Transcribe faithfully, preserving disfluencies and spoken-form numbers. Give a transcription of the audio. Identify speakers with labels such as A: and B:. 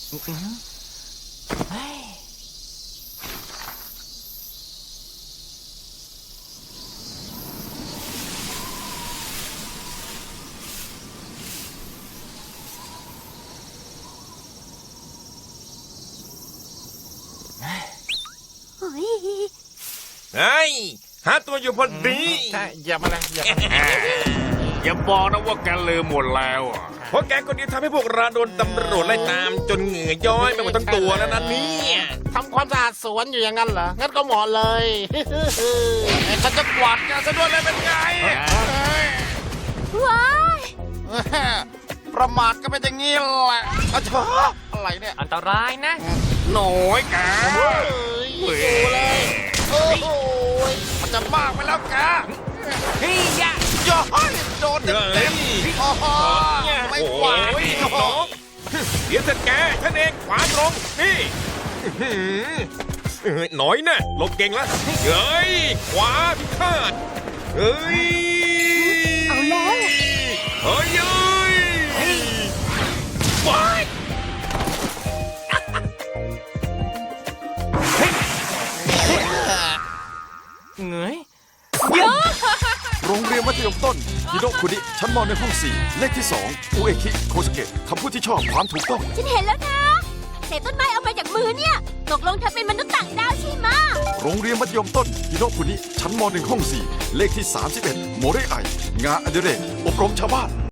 A: เฮ้ย
B: เฮ้ย
C: เฮ้ยหาตัวอยู่พอดี
A: ใช่อย่ามาเลยอย่ามา
D: อย่าบอกนะว่าแกลืมหมดแล้วอ่ะ
C: เพราะแกคนเดียวทำให้พวกเราโดนตำรวจไล่ตาม จนเหงื่อย้อยไปหมดทั้งตัวแล้วนะเนี่ย
A: ทำความสะอาดสวนอยู่อย่างนั้นเหรอ งั้นก็เหมาะเลยไอ้ฉันจะกวาดแกซะด้วยเลยเป็นไง
B: ว้าย
A: ประมาทก็เป็นอย่างนี้แหละอะเธออะไรเนี่ย
E: อันตรายนะ
D: หน่อยแก
A: เฮ้ยอยู่เลยโอ้โหมันจะมากไปแล้วแก
E: เฮ้ยยะ
A: ย้อยโดนเต็ม
C: เฮ้ย
A: ๆโอ้โหไม่ไหว
C: โอ้ยน้องเดี๋ยวเสร็จแกฉันเองขวาตรง นี่อื้อหือเฮ้ยหน่อยนะหลบเก่งแล้วเฮ้ย ขวาพิฆาตเฮ้ย
B: เอาแล้ว
C: เฮ้ยเฮ้ยว้าย
E: เหงย
F: โรงเรียนมัธยมต้นฮิโดะคุนิชั้นมในห้องสี่เลขที่สองอุเอคิโคสเกะคำพูดที่ชอบความถูกต้อง
B: ฉันเห็นแล้วนะเศษต้นไม้เอามาจากมือเนี่ย ตกลงเธอเป็นมนุษย์ต่างดาวใช่ไหมะ
F: โรงเรียนมัธยมต้นฮิโดะคุนิชั้นมหนึ่งห้องสี่เลขที่สามสิบเอ็ดโมเรไองานอดิเรกอบรมชาวบ้าน